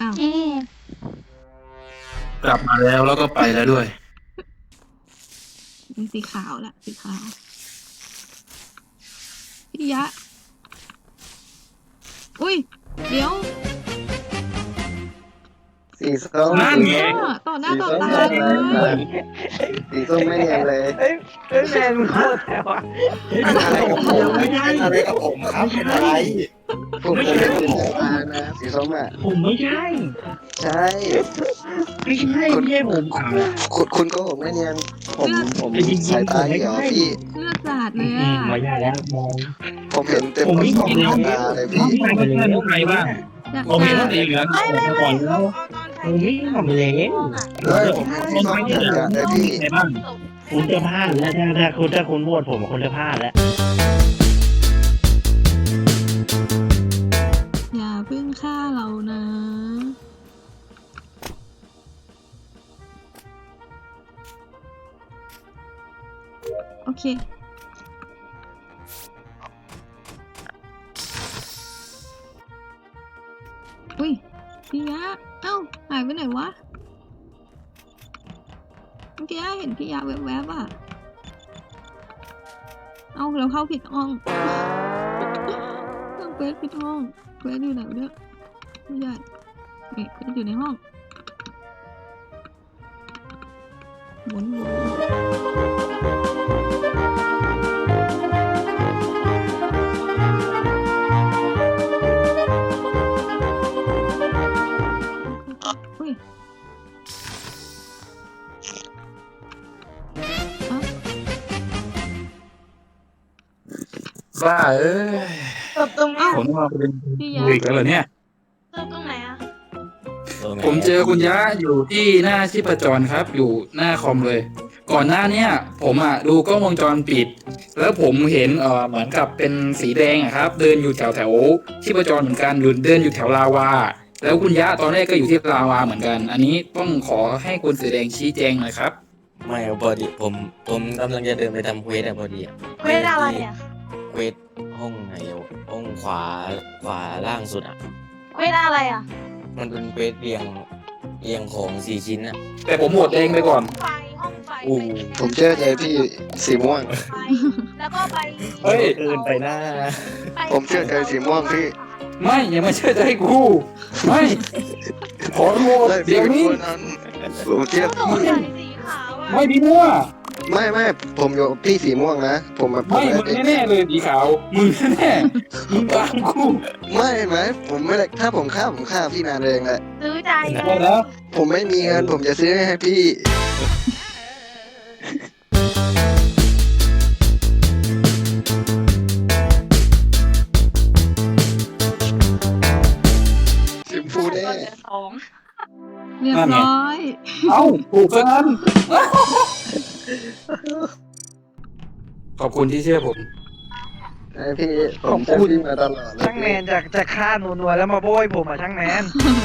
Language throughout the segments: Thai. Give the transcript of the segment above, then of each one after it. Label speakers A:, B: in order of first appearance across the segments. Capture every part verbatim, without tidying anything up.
A: าว
B: เอ๊ะ
C: กลับมาแล้วแล้วก็ไปแล้วด้วย
A: มีสีขาวแหละสีขาวพี่ยะ อุ้ย เดี๋ยว
D: สีส้ม
C: นั่นไง
A: ต่อหน้าต่อตาเลย
D: สีส้มไม่เนียนเลย
E: เอ้ยเอ้ยแมนมึงโคตรแต่ว่า
D: อะไรกับผม
C: ไม่ได้
D: อะไรกับผมครับเป็นอะไรผมไม่ใช่สีส้มนะสีส้มอ่ะ
E: ผมไม่ใช่
D: ใช่
E: ไม่ใช่ไม่ใช่ผม
D: คุณคุณโก็ผมไม่เนียนผมผมสายตาเหี่ยวพี่
A: เลือดสาดเลย
E: อื
A: อ่ะ
E: มไม่ใช่แล้วมอง
D: ผมเห็นเต็มผมสองตาเลยพี่
C: ไม่ไม่ไม่ใครบ้าง
A: อยาก
C: ผมเห็นว่าสีเหลือง
E: ไม่ไม่ก่อนแล้วผมไม่ทำเลย
D: เฮ้ยผมส้มจัดจัดเลยพี่
C: ใครบ้าง
E: คุณจะพลาดแล้วถ้าถ้าคุณถ้าคุณโหวตผมคุณจะพลาดแล้ว
A: อย่าเพิ่งฆ่าเรานะ โอเค อุ้ยพี่ยะ เอ้า หายไปไหนวะ เมื่อกี้เห็นพี่ยะแวบๆอ่ะ เอ้าเราเข้าผิดห้อง ต้องเควสผิดห้องเควสอยู่ไหนวะเนี่ยไม่ใช่นี่เควสอยู่ในห้องหมุนหมุนอุ้ยอ่ะ
C: บ้าเอ้ย
B: ตบตรงนี้
C: ผมมาเป็น
A: พี่ยะ
C: คุยกันเหรอเนี่ย
B: ตบตรงไหนอ่ะ
C: ผมเจอคุณยะอยู่ที่หน้าชีพจรครับ อยู่หน้าคอมเลย ก่อนหน้าเนี้ยผมอ่ะดูกล้องวงจรปิด แล้วผมเห็นเออเหมือนกับเป็นสีแดงอะครับ เดินอยู่แถวแถวชีพจรเหมือนกันหรือเดินอยู่แถวลาวา แล้วคุณยะตอนแรกก็อยู่ที่ลาวาเหมือนกัน อันนี้ต้องขอให้คุณสีแดงชี้แจงหน่อยครับ
F: ไม่ครับพอดีผมผมกำลังจะเดินไปทำเควสอะพอดีอะ
B: เวลาอะไรอ่ะ
F: เควสห้องไหนอะห้องขวาขวาล่างสุดอะ
B: เวลาอะไรอ่ะ
F: มันเป็นเควสเรียงเรียงของสี่ชิ้นอะ
C: แต่ผมโหวตแดงไปก่อน
B: ไฟห้องไฟ
F: อู้
D: ผมเชื่อใจพี่สีม่วง
B: ไฟแล้วก็ไป
C: เฮ้ย
F: เกินไปหน้า
D: ผมเชื่อใจสีม่วงพี่
C: ไม่อย่ามาเชื่อใจกูไม่ขอโหวต
D: ได้พี่
C: เดี๋ยว
D: เป็น
C: นี้
D: คนนั้นผมเชื่อ
B: โด
D: พี่
B: นใส่สีขาวอ่ะ
C: ไม่พี่มั่ว
D: ไม่ไม่ผมอยู่พี่สีม่วงนะผมมาผม
C: ไม่มึงแน่ๆเลยสีขาวมึงแน่ๆมึงตามกู
D: ไม่ไหมผมไม่ได้ถ้าผมฆ่าผมฆ่าพี่นานเองแหละ
B: ซื้อใจ
C: ได้แล้ว
D: ผมไม่มีเงินผมจะซื้อให้พี่ชิมพูแน่
B: สอง
A: เรียบร้อย
C: เอ้าถูกซะงั้นขอบคุณที่เชื่อผม
D: ไอพี่ผมเชื่อพี่มาตลอดเลย
E: ช่างแมนจะจะฆ่านัวๆแล้วมาโบยผมอ่ะช่างแมน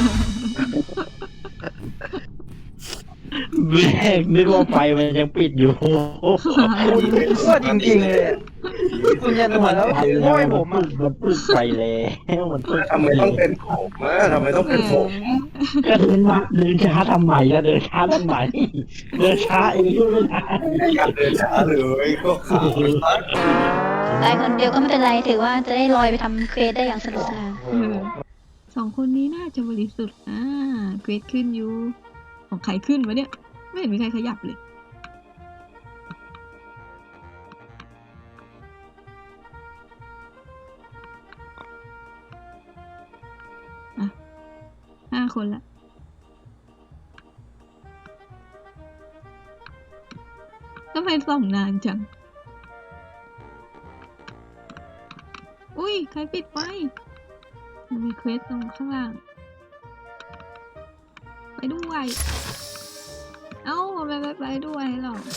E: แม่งนึกว่าไฟมันยังปิดอยู่ว่าจริงๆเลยอะคุณยันนัวแล้วโบยผมอ่ะมันปิดไฟแล้วมันปิด
D: ทำไมต้องเป็นผมอะทำไมต้องเป็นผม
E: ก็เดินมาเดินช้าทำไมก็เดินช้าทำไมเดินช้าเองก็ไม่ได้
D: อยากเดินช้าเลยก็ขาด
B: ตายคนเดียวก็ไม่เป็นไรถือว่าจะได้ลอยไปทำเควสได้อย่างสนุกสนาน
A: เออสองคนนี้น่าจะบริสุทธิ์อ่าเกรดขึ้นอยู่ ของใครขึ้นวะเนี่ย ไม่เห็นมีใครขยับเลย อ่ะ ห้าคนละ ทำไมส่องนานจัง อุ้ย ใครปิดไฟมันมีเควสตรงข้างล่าง ไปด้วย เอ้าไปไปไปด้วยหรอ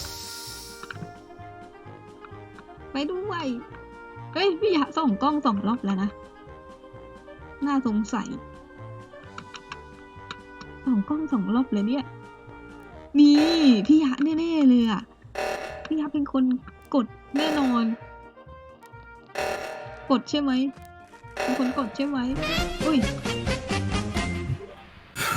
A: ไปด้วย เฮ้ย พี่ยะส่องกล้องสองรอบแล้วนะ น่าสงสัยส่องกล้องสองรอบเลยเนี่ย นี่ พี่ยะแน่ๆเลยอ่ะ พี่ยะเป็นคนกดแน่นอน กดใช่ไหมเป็นคนกดใช่ไหมอุ้ย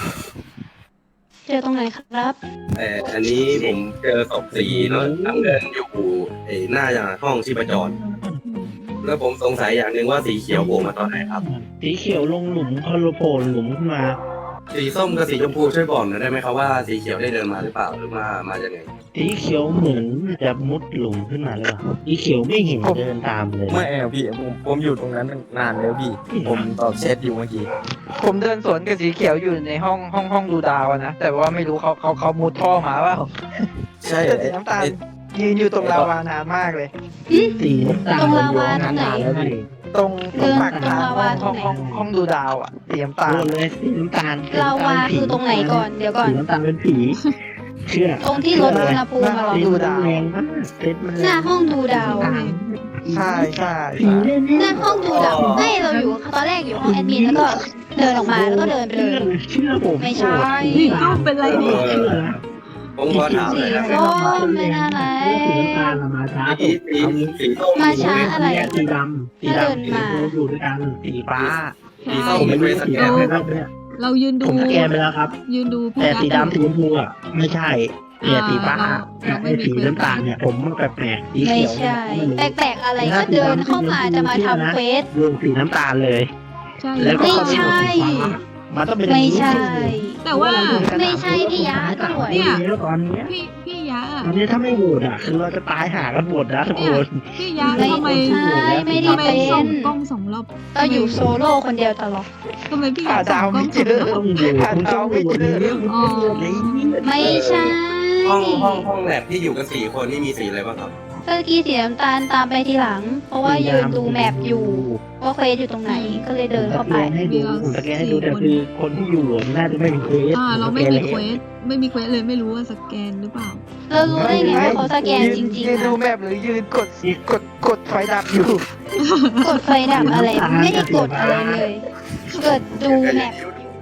B: เจอตรงไหนครับ
G: แต่อันนี้ผมเจอศพสีเนาะทางเดินอยู่ไอ้หน้าห้องชีพจร แล้วผมสงสัยอย่างหนึ่งว่าสีเขียวโผล่มาตอนไหนครับ
E: สีเขียวลงหลุมคอโลโผล่หลุมขึ้นมา
G: สีส้มกับสีชมพูช่วยบอกหน่อยได้ไหมครับว่าสีเขียวได้เดินมาหรือเปล่าหรือมามาจากไหน
E: สีเขียวเหมือนจะมุดหลุมขึ้นมาเลยสีเขียวไม่เห็นเดินตามเลย
D: ไม่เอาพี่ผมผมอยู่ตรงนั้นนานแล้วพี่ ผมตอบแชทอยู่เมื่อกี้
H: ผมเดินสวนกับสีเขียวอยู่ในห้องห้องห้องดูดาวอะนะแต่ว่าไม่รู้เขาเขาเขามุดท่อมาเปล่า
D: ใช่
H: แต่สีน้ำตาลยืนอยู่ตรงลาวานานมากเลย
E: สีน้ำตาล
B: ตรงลาวาตรงไหน
E: แล้วดิ
H: ตรงตรงปากทาง
B: เดินตรงลาวา
H: ห้อง
B: ตรงไหน
H: ห้องห้องดูดาวอ่ะสีน้ำตาล
E: โดนเลยสีน้ำตาล
B: ลาวาคือตรงไหนก่อนเดี๋ยวก่อน
E: สีน้ำตาลเป็นผีเชื่อ
B: ตรงที่ลดอุณหภูมิมาหรอ
E: สีมันแรงมากเซตมัน
B: หน้าห้องดูดาว
H: ใช่ใช่
E: ผี
H: ใช่
E: เล่น
B: หน้าห้องดูดาวให้เราอยู่ตอนแรกอยู่ห้องแอดมินแล้วก็เดินออกมาแล้วก็เดินไปเล
E: เชื่อย เชื่อผม
B: ไม่ใช่
A: นี่เข้าเป็นไรเนี่ย
E: เชื่อนะ
G: ผมขอถามหน่อยนะ
B: สีส้มไม่น่าไร
E: สีน้ำตาลมาช้า
G: สีสีสีส้ม
B: มาช้าอะไร
E: สีดำสีดำสีชมพูอยู่ด้วยกันสีฟ้า
G: สีส้มมีเวสแกน
E: ไม่
G: ไหมครับ
E: เนี่ย
A: เรายืนดู
E: ผมสแกนไปแล้วครับ
A: ยืนดูพี่
E: แต่
A: ยักษ์
E: สีดำสีชมพูอ่ะไม่ใช่เนี่ยสีฟ้า
A: เราไม่
E: ไอ้
A: มี
E: สีน้ำตาลเนี่ยผมมันแปลกๆสี
B: ไม่
E: เขียว
B: ใช่ แปลกๆอะไรก็เดินเข้ามาจะมาทำเควส
E: รวมสีน้ำตาลเลย
A: ใช่
E: แล้วก็
B: ไม่ใช่
E: มันต้องเป็น
B: ไม่ใช่
A: แต่ว่า
B: ไม่ใช่พี่ยะตำรวจ
A: เนี่ย
E: ตอนเนี้ย
A: พี่พี่ยักษ์อะ
E: ตอนนี้ถ้าไม่โหวตอ่ะคือเราจะตายหากันหมดนะทุกคน
A: พี่ยักษ์
B: ไม่
A: ทำไม
B: ใช่ไม่ได้
A: ทำไม
B: เป็
A: ส่อง
B: น
A: กล้องสองรอบ
B: เราอยู่โซโล่คนเดียวตลอด
A: ทำไมพี่ยั
H: หาก
A: ษ์ส่
H: ดา
A: อ
H: ว
A: งกล้
H: ไม่
A: อง
H: เจ
A: สอง
H: อ
A: รอบ
E: ต้องโหวตคุณต้องโหวตเลย
A: อ๋อ
B: ไม่ใช่
G: ห้องห้องห้องแลบที่อยู่กันสี่คนนี่มีสีอะไรบ้างครับ
B: เมื่อกี้สีน้ำตาลตามไปทีหลัง เพราะว่ายืนดูแมปอยู่ว่าเควสอยู่ตรงไหนก็เลยเดินเข้าไป
E: สแกนให้ดูผมสแกนให้ดูแต่คือคนที่อยู่อะน่าจะไม่มีเควส
A: อ่า เราไม่มีเควสไม่มีเควสเลยไม่รู้ว่าสแกนหรือเปล่า
B: เรารู้ได้ไงว่าเขาสแกนจริง
H: ยืน
B: ๆ
H: ดู
B: อะ
H: แมพหรือยืนกดกดกดไฟดับอยู่
B: กดไฟดับอะไรไม่ได้กดอะไรเลยเกิดดูแมป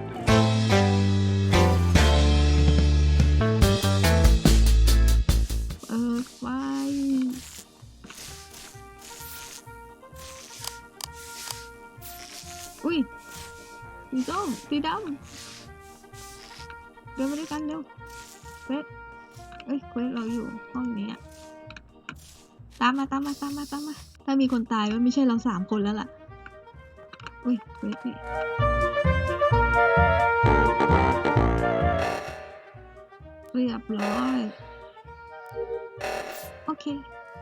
A: เออไฟอุ้ยสีส้มสีดำเดินมาด้วยกันเร็วเควสเอ้ยเควสเราอยู่ห้องนี้อะตามมาตามมาตามมาตามมาถ้ามีคนตายมันไม่ใช่เราสามคนแล้วล่ะอุ้ยเควสนี่เรียบร้อยโอเค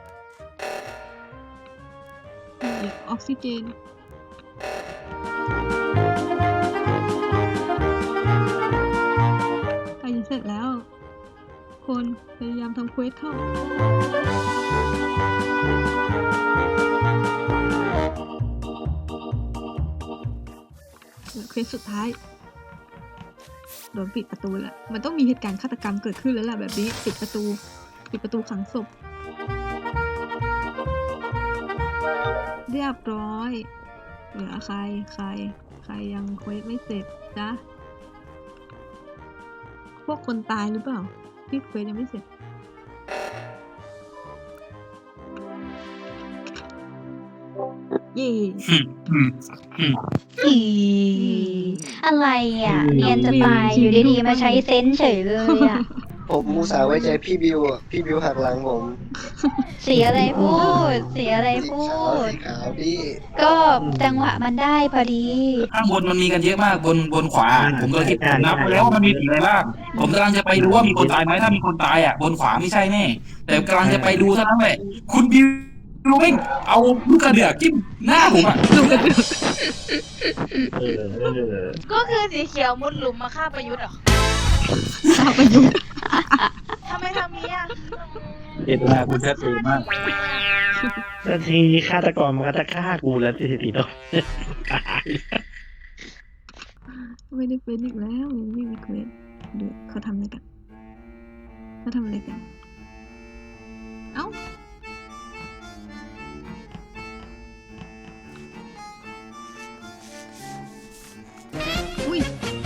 A: อีกออกซิเจนใกล้จะเสร็จแล้ว คนพยายามทำเควสเข้า เหลือเควสสุดท้าย โดนปิดประตูแล้ว มันต้องมีเหตุการณ์ฆาตกรรมเกิดขึ้นแล้วล่ะแบบนี้ปิดประตู ปิดประตูขังศพ เรียบร้อย เหลือใคร ใคร ใครยังเควสไม่เสร็จจ๊ะ พวกคนตายหรือเปล่า ที่เควสยังไม่เสร็จ เย่
B: อีอะไรอ่ะเนียนจะตายอยู่ดีๆมาใช้เซนส์เฉยเลยอ่ะ
D: ผมมูสาห์ไว้ใจพี่บิวอ่ะพี่บิวหักหลังผม
B: เสียอะไรพูด เสียอะไรพู
D: ขาว
B: ด
D: สีขาวพี่
B: ก็จังหวะมันได้พอดี
C: ข้างบนมันมีกันเยอะมากบนบนขวา ผมก็คิดผมนับไปแล้วว่ามันมีสีอะไรบ้างผมกำลังจะไปดูว่ามีคนตายไหมถ้ามีคนตายอ่ะบนขวาไม่ใช่แน่แต่กำลังจะไปดูเท่านั้นแหละคุณบิวรู้ไหมเอาลูกกระเดือกจิ้มหน้าผมอ่ะ
E: เออเออ
I: ก็คือสีเขียวมุดหลุมมาฆ่าประยุทธ์เหรอ
A: ข้าประยุทธ์
I: ทำไมทำนี้อ่ะ
C: เจตนาคุณชัดเจนมาก
E: แต่ทีฆาตกรมันก็จะฆ่ากูแล้วสิติโต
A: ไม่ได้เป็นอีกแล้วยังไม่มีเควสดูเขาทำอะไรกันเขาทำอะไรกัน เอ้า อุ้ย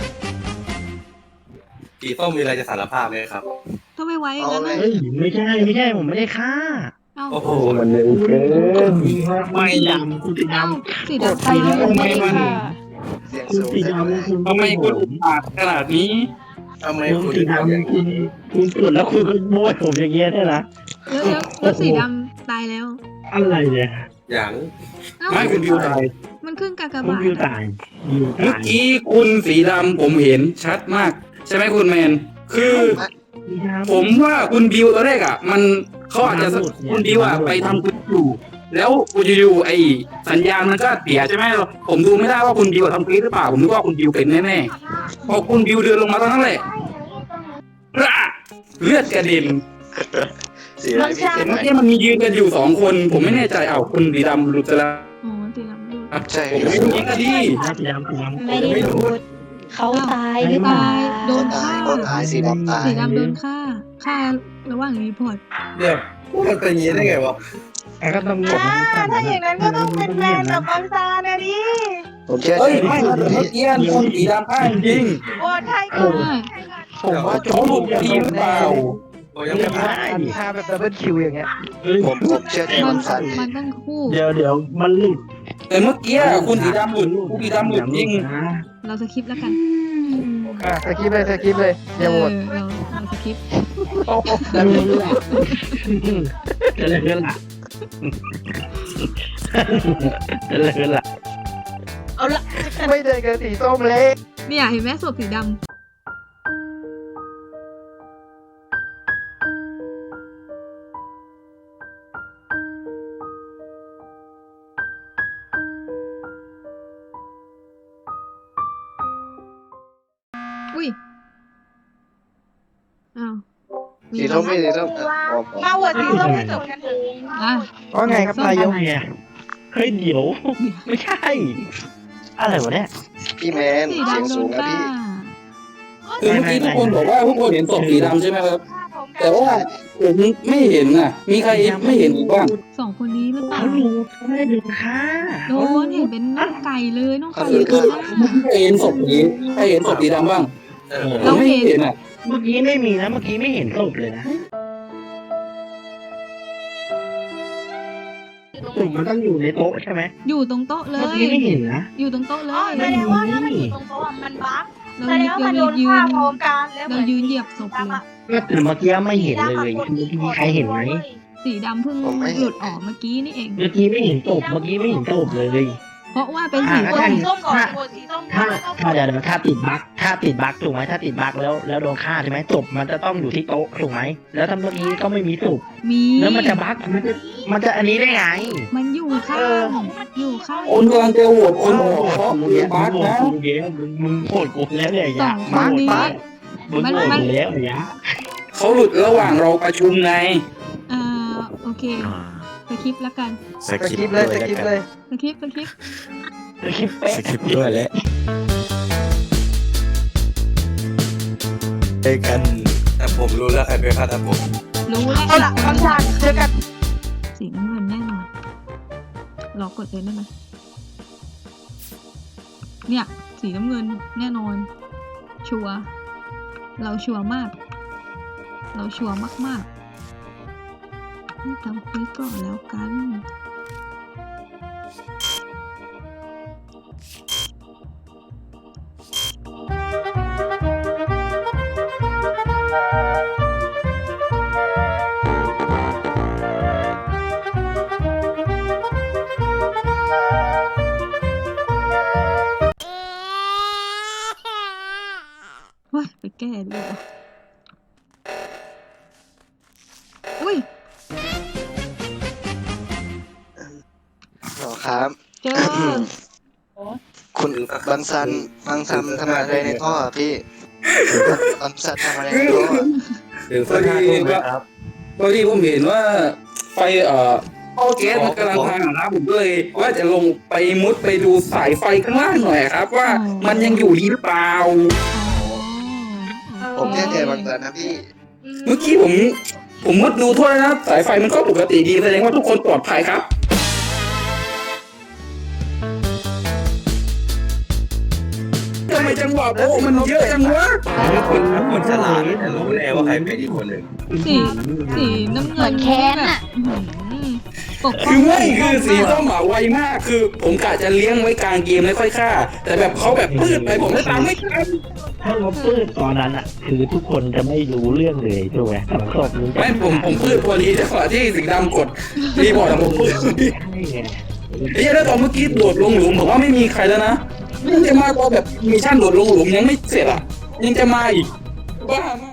G: สีส้มมีอะไรจะสารภาพไหมครับ
A: ทำไมไว้อย่างนั้น
D: เอา
A: น่ะ
D: เลย
E: เฮ้ยไม่ใช่ไม่ใช่ผมไม่ได้ฆ่า
A: เอ้า
G: โอ้โห
E: มันเร็วเกินไม่ดำคุณสีด
A: เอ้าสี
B: กด
A: ดำ
B: ไฟดับไม่ได้ค่ะ
D: เสียง
E: ำคุณ
D: สูง
E: สี
D: ใช่ไหม
E: ดำคุณ
C: ทำไมคุณอุกอาจขนาดนี้
G: ทำไม
E: คุณ
G: คุณ
E: สี
G: ทำอย่าง
E: ดำคุ
G: นี้
E: ณคุณกดแล้วคุณก็โบยผมอย่างเงี้ยได้นะ
A: แล้วแล้วแล้วสีดำตายแล้ว
E: อะไรเนี่ย
G: อย่าง
A: เอ้า
C: ไม่คุณบิวตาย
A: มันขึ้นกาก
E: คุณ
A: บาท
E: วิว
A: อะ
E: ตายวิว
C: เมื่อ
E: ตาย
C: กี้คุณสีดำผมเห็นชัดมาก ใช่ไหมคุณแมน คือ ผมว่าคุณบิวตอนแรกอ่ะ มันเขาอาจจะคุณบิวอ่ะไปทำคุณอยู่ แล้วอยู่ๆไอ้สัญญาณมันก็เสียใช่ไหมผมดูไม่ได้ว่าคุณบิวทำคลิปหรือเปล่าผมนึกว่าคุณบิวเป็นแน่ๆพอคุณบิวเดินลงมาตอนนั้นแหละเลือดกระเด็น
D: สีอะไรพี่
C: เห็นเมื่อกี้มันมียืนกันอยู่สองคน ผมไม่แน่ใจเอ้าคุณสีดำหลุดไปแล้ว
A: อ๋อสีดำดู
D: ใช่
C: ผมไม่รู้ยิงก็ดี
E: สีดำสีดำ
B: ไม่ได้พูดเขาตายหรือเปล่า
A: ตายโดน
D: ตา
A: ฆ่าย
D: ก็ตายสีดำตาย
A: สีดำโดนฆ่าฆ่าระหว่างรีพอร์ต
G: เดี๋ยวมันเป็นอย่างนี้ได้ไงวะ
E: แต่ก็ต้อง
I: อ่าถ้าอย่างนั้นก็ต้องเป็นแมนกับบางซานะดิ
D: ผมเชื่อ
C: เฮ้ย
D: ใจ
C: ไม่
D: พี่
C: ครับเมื่อกี้คุณสีดำพลาดจริง
I: โอ้ไทย
A: ใช่
I: ก็
H: ผมว่า
C: เขาหลุดทีหรือเปล่า
G: ผมยังไม่ผ่าน
H: ฆ่าแบบดับเบิลคิวอย่างเงี้ย
D: ผมผมเชื่อใจ
A: มั
D: วัน นซัน
A: มันต้องคู่
E: เดี๋ยวเดี๋ยวมันหลุด
C: แต่เมื่อกี้คุณสีดำหลุดคุณสีดำหลุดจริง
A: เราสคริปต์แล้วกัน
H: อ่ะสกิปเลยสกิปเลย
A: เอ
H: อย่าโหว
A: อ
H: ต
A: เราเราสคริปต์
H: โอ้โห
E: จะเลยละจะเลยละจะเลยละ
I: เอาละ
H: ไม่เดินกับสีส้มเลย
A: เนี่ยเห็นไหมศพสีดำอุ้ยอ้าวมี
D: สี
A: อะไร
D: ส้มไม่สีส้มอ่ะพอพอ
I: มาโหวตสีส้มให้จบกันเถอะ
A: อ่ะ
H: ว่าไงครับนายก
E: อะไรอ่ะเฮ้ยเดี๋ยวไม่ใช่ อะไรวะเนี่ย
D: พี่แมน
A: สี
D: เสียง
A: ดำโด
D: สู
A: น
D: งนะ
A: ฆ่า
D: พี่
C: คือเมื่อกี้ทุกคนบอกว่าทุกคนเห็นศพสีดำใช่ไหมครับ
I: ฆ่าผม
C: แต่ว่าผมไม่เห็นน่ะ มีใครไม่เห็นอีกบ้าง
A: สองคนนี้หรือเปล่า
E: เขาดูเขาไม่ได้ดูค่ะ
A: โดนเห็นเป็นน้องไก่เลยน้องไก่อยู่
C: คื
A: ข้า
C: อง
A: หน้า
C: ใครเห็นศพนี้ใครเห็นศพสีดำบ้าง
G: เออ
C: ผมไม่เห็นอ่ะ
E: เมื่อกี้ไม่มีนะเมื่อกี้ไม่เห็นศพเลยนะศพมันต้องอยู่ในโต๊ะใช่ไหม
A: อยู่ตรงโต๊ะเล
E: เมื่อย กี้ไม่เห็นนะ
A: อยู่ตรงโต๊ะเล
I: อ๋อย แสดงว่าถ้ามันอยู่ตรงโต๊ะอะมันบั๊ก
A: เรา
I: แสดงว่ามัน
A: เรา
I: โดน
A: ยื
I: ฆ่าน พร้อมกันแล้ว
A: เรายืนเหยียบศพเลย
E: ก็แต่เมื่อกี้ไม่เห็นเลยมีใครเห็นไหม
A: สีดำเพิ่ง
D: ผมไม่เห็น
A: หลุดออกเมื่อกี้นี่เอง
E: เมื่อกี้ไม่เห็นศพเมื่อกี้ไม่เห็นศพเลย
A: เพราะว่าเป็นสี
E: อ่า
I: โหว
A: ส้
I: ต
A: ม
I: สีส้มก่อนโหวตสีส้มก่
E: ถ้า
I: อนแล้วก็
E: ถ้าเดี๋ยวเดี๋ยวถ้าติดบั๊กถ้าติดบั๊กถูกไหมถ้าติดบั๊กแล้วแล้วโดนฆ่าใช่ไหมศพมันจะต้องอยู่ที่โต๊ะถูกไหมแล้วถ้าเมื่อกี้ก็ไม่มีศพ
A: มี
E: แล้วมันจะบั๊กมันจะมันจะอันนี้ได้ไง
A: มันอยู่ข้าง
E: เออ
A: อยู่ข้าง
C: คนกำลังจะโหวตคนออกเพราะ
E: มึ
C: คื
E: ง
C: อบัสนะ
E: มึงเย้มึงมึงโหดกูแล้วเนี่ย
A: ส
E: ยะ
A: องค
E: มึ
A: น
E: งโหด
A: นี้
E: บัสมึงโหดกูแล้วเนี่ย
C: เขาหลุดระหว่างเราประชุมไง
A: อ่าโอเคสคริปต์แล้วกัน
F: ส
H: ส
F: คริ
H: กิ
F: ป
H: ป
F: ต์
H: เล
F: ด้วย ย
H: ส
F: แล้ว
H: กิป
F: กัน
H: เลย
A: สคริปต์สคริปต์
E: คลิปเป๊ะ
F: สคริปต์ด้วยแล้วเจอกัน
G: แต่ผมรู้แล้วใครเป็นฆาตกร
A: รู้แล้ว
I: เอาละบางซาเจอกัน
A: สีน้ำเงินแน่นอนรอกดเลยได้ไหมเนี่ยสีน้ำเงินแน่นอน ชัวร์เราชัวร์มาก เราชัวร์มากๆนี่ทำคุยก่อนแล้วกัน ว้ายไปแก้ดีกว่าอุ้ย
D: หรอครับ
A: เจอ
D: คุณบังซันบังซันทำอะไรในท่ออะพี่บังซันทำอะไรในท่ออะ
G: ถึงสักห้าทุ่มไหมครับ
C: พอดีผมเห็นว่าไฟเอ่อท่อแก๊สมันกำลังพังอะนะผมก็เลยว่าจะลงไปมุดไปดูสายไฟข้างล่างหน่อยครับ ว่ามันยังอยู่ดีหรือเปล่า
A: อ๋อ
D: ผมเชื่อใจบังซันนะพี่
C: เมื่อกี้ผม ผมมุดดูทั่วแล้วนะสายไฟมันก็ปกติดีแสดงว่าทุกคนปลอดภัยครับทำไมจังหวะโอ้มันเยอะจังวะ
G: คุณคุณฉลาดแต่รู้แน่ว่าใครเป็นอีกคนหนึ่ง
A: สีสีน้ำ
B: เห
A: เงิ
B: มือน นแค้น
A: แบบ
B: อะ
A: อื้อหือปกป้
C: คือไม่คือสีส้มอะไวมากคือ ผมกะจะเลี้ยงไว้กลางเกมแล้วค่อยฆ่า แต่แบบเขาแบบปืดไปผมไม่ตามไม่ทัน
E: ถ้าเราปืดตอนนั้นอ่ะ คือทุกคนจะไม่รู้เรื่องเลยถูกไหมสองศพนี้
C: ไม่ผมผมปืดพอดีจังหวะที่สีดำกดรีบอร์ดอะผมปืด
E: ใช่ไง
C: เฮ้ยแล้วตอนเมื่อกี้โดดลงหลุมผมว่าไม่มีใครแล้วนะยังจะมาตอนแบบมิชชั่นโดดลงหลุมยังไม่เสร็จอ่ะยังจะมาอีกบ้ามาก